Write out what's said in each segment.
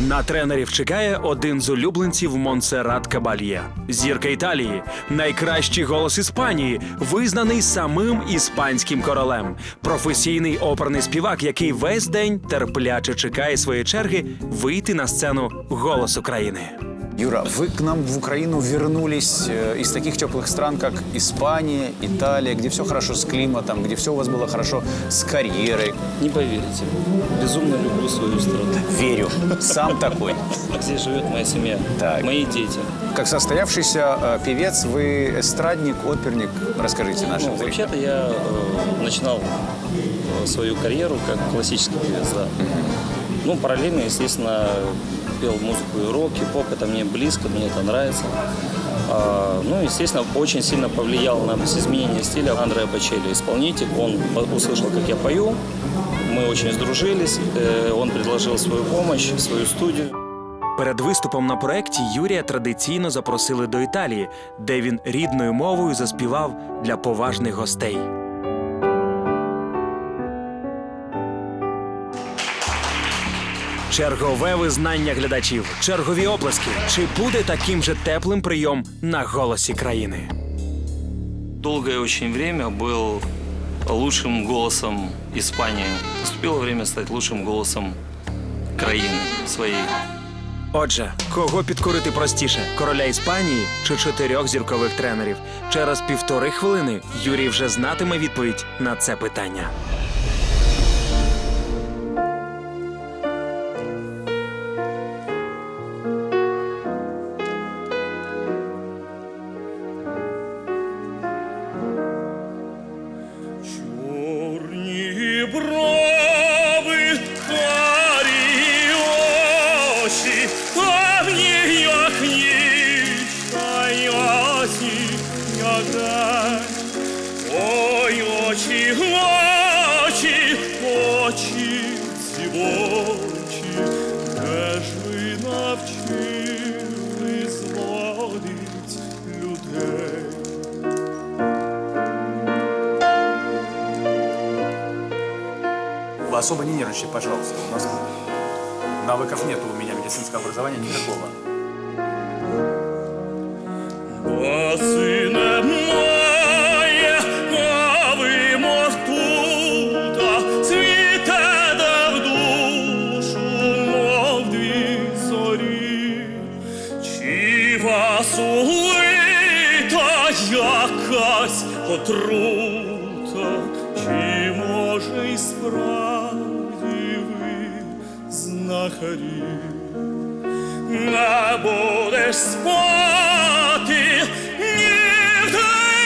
На тренерів чекає один з улюбленців Монсеррат Кабальє. Зірка Італії, найкращий голос Іспанії, визнаний самим іспанським королем. Професійний оперний співак, який весь день терпляче чекає своєї черги вийти на сцену «Голос України». Юра, вы к нам в Украину вернулись из таких теплых стран, как Испания, Италия, где все хорошо с климатом, где все у вас было хорошо с карьерой. Не поверите, безумно люблю свою страну. Верю, сам такой. Здесь живет моя семья, Так. мои дети. Как состоявшийся певец, вы эстрадник, оперник. Расскажите нашим зрителям. Вообще-то я начинал свою карьеру как классический певец, да. Ну, параллельно, естественно, пел музыку и рок, и поп, это мне близко, мне это нравится. Ну, естественно, очень сильно повлиял на изменение стиля Андреа Бочелли, исполнитель. Он услышал, как я пою, мы очень сдружились, он предложил свою помощь, свою студию. Перед виступом на проєкті Юрія традиційно запросили до Італії, де він рідною мовою заспівав для поважних гостей. Чергове визнання глядачів, чергові оплески. Чи буде таким же теплим прийом на «Голосі країни»? Долгое очень время был лучшим голосом Испании. Наступило время стать лучшим голосом країни своєї. Отже, кого підкорити простіше – короля Іспанії чи 4 зіркових тренерів? Через 1,5 хвилини Юрій вже знатиме відповідь на це питання. Чорні брови, карі очі, темні, як ніч, та ясні, як день. Ой, очі, очі, очі дівочі, де ж ви навчили зводить людей? Вы особо не нервничайте, пожалуйста. У нас навыков нет у меня медицинского образования никакого. Баси немає, а ви, мов тута, цвітете в душу, мов дві зорі. Чи вас улита якась отрута, чи, може, й справді ви знахарі? Не будеш спати нігде,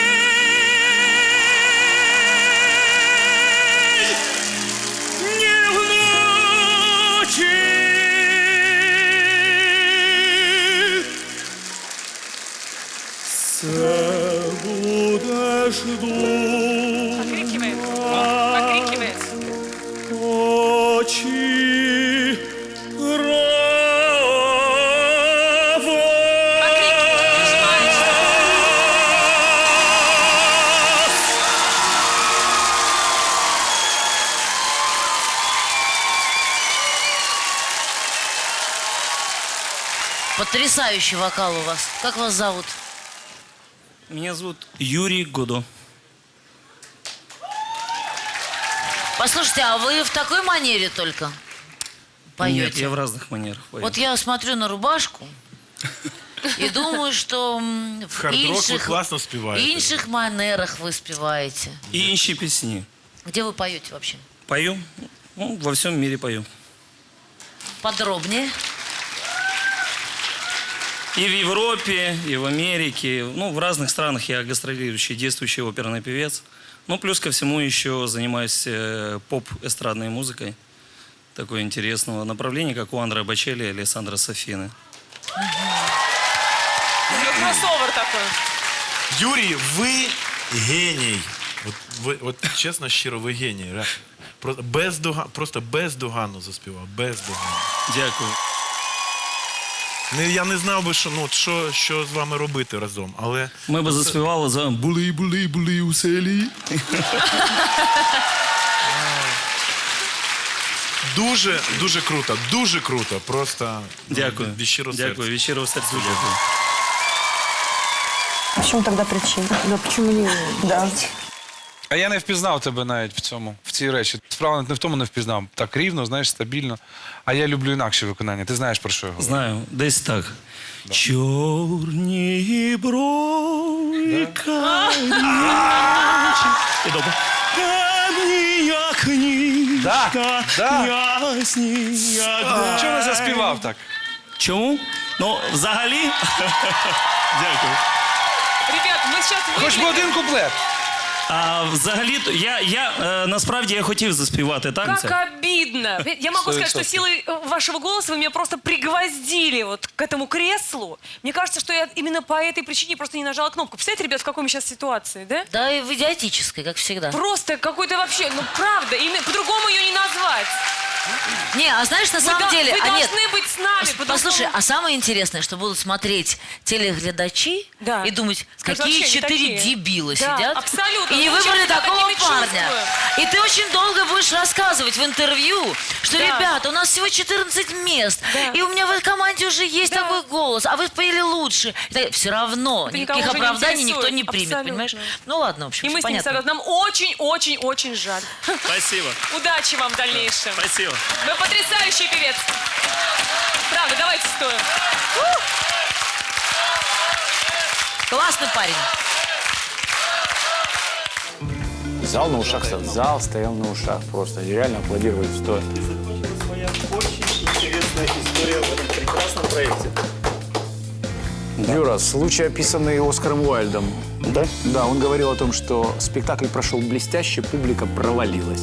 ні вночі. Все будеш думати, очі Потрясающий вокал у вас. Как вас зовут? Меня зовут Юрий Годо. Послушайте, а вы в такой манере только поете? Нет, я в разных манерах пою. Вот я смотрю на рубашку и думаю, что в інших манерах вы спеваете. И інші песни. Где вы поете вообще? Пою? Ну, во всем мире пою. Подробнее. И в Европе, и в Америке. Ну, в разных странах я гастролирующий, действующий оперный певец. Ну, плюс ко всему еще занимаюсь поп-эстрадной музыкой. Такое интересного направления, как у Андреа Бочелли и Алессандро Сафины. Кроссовер такой. Юрій, ви геній. От чесно, щиро, ви геній. Просто бездоганно заспівав. Бездоганно. Дякую. Я не знав би, що з вами робити разом, але... Ми б заспівали за «Були у селі». Дуже, дуже круто. Дуже круто. Просто Дякую. від щирого серця. Дякую, від щирого серця дякую. В чому тоді причина? Да, почему не... Да. А я не впізнав тебе навіть в цій речі. Справа не в тому не впізнав. Так рівно, знаєш, стабільно. А я люблю інакше виконання. Ти знаєш, про що я говорю? Знаю, десь так. Чорні брові, карі очі. І добре. Темні, як нічка, ясні, як... Чого не заспівав так? Чому? Ну, взагалі... Дякую. Ребят, мы сейчас... Хоч би один куплет. А взагалі, насправді я хотів заспівати, так? Как це? обидно. Я могу сказать, что силой вашего голоса вы меня просто пригвоздили вот к этому креслу. Мне кажется, что я именно по этой причине просто не нажала кнопку. Представляете, ребят, в какой мы сейчас ситуации, да? Да, и в идиотической, как всегда. Просто какой-то вообще, ну правда, по-другому ее не назвать. Не, а знаешь, на самом деле... Вы а нет, должны быть с нами. Послушай, по-другому. а самое интересное, что будут смотреть телеглядачи Да. и думать, Скажут, какие вообще не 4 такие. дебила Да, сидят. абсолютно. И не Мы выбрали сейчас себя такого такими парня. чувствуем. И ты очень долго будешь рассказывать в интервью, что, Да. ребята, у нас всего 14 мест, Да. и у меня в этой команде уже есть Да. такой голос, а вы спели лучше. Все равно Это никаких никого уже не оправданий никто интересует. не примет, Абсолютно. понимаешь? Ну ладно, в общем, И мы всё с ним понятно. согласны. Нам очень-очень-очень жаль. Спасибо. Удачи вам в дальнейшем. Спасибо. Вы потрясающий певец. Правда, давайте стоим. Классный парень. Зал на ушах стоял. Зал стоял на ушах просто. И реально аплодировали стоя. Своя очень интересная история в этом прекрасном проекте. Юра, случай, описанный Оскаром Уайльдом. Да? Да, он говорил о том, что спектакль прошел блестяще, публика провалилась.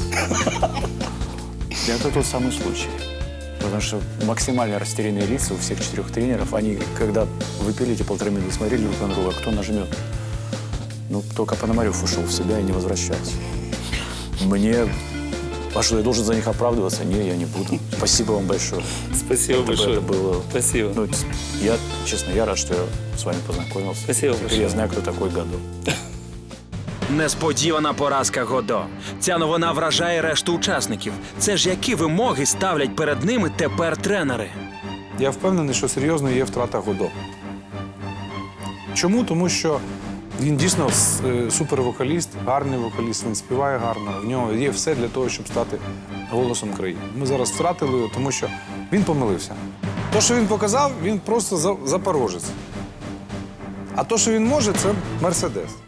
И это тот самый случай. Потому что максимально растерянные лица у всех 4 тренеров. Они, когда выпили эти 1,5 минуты, смотрели друг на друга, кто нажмет. Ну, только Пономарев ушел в себя и не возвращается. Мне... А что, я должен за них оправдываться? Не, я не буду. Спасибо вам большое. Спасибо большое. Это было... Спасибо. Ну, я, честно, я рад, что я с вами познакомился. Спасибо Теперь большое. я знаю, кто такой Годо. Несподівана поразка Годо. Ця новина вражає решту учасників. Це ж які вимоги ставлять перед ними тепер тренери? Я впевнений, що серйозно є втрата Годо. Чому? Тому що він дійсно супервокаліст, гарний вокаліст, він співає гарно, в нього є все для того, щоб стати голосом країни. Ми зараз втратили його, тому що він помилився. Те, що він показав, він просто запорожець. А те, що він може, це Мерседес.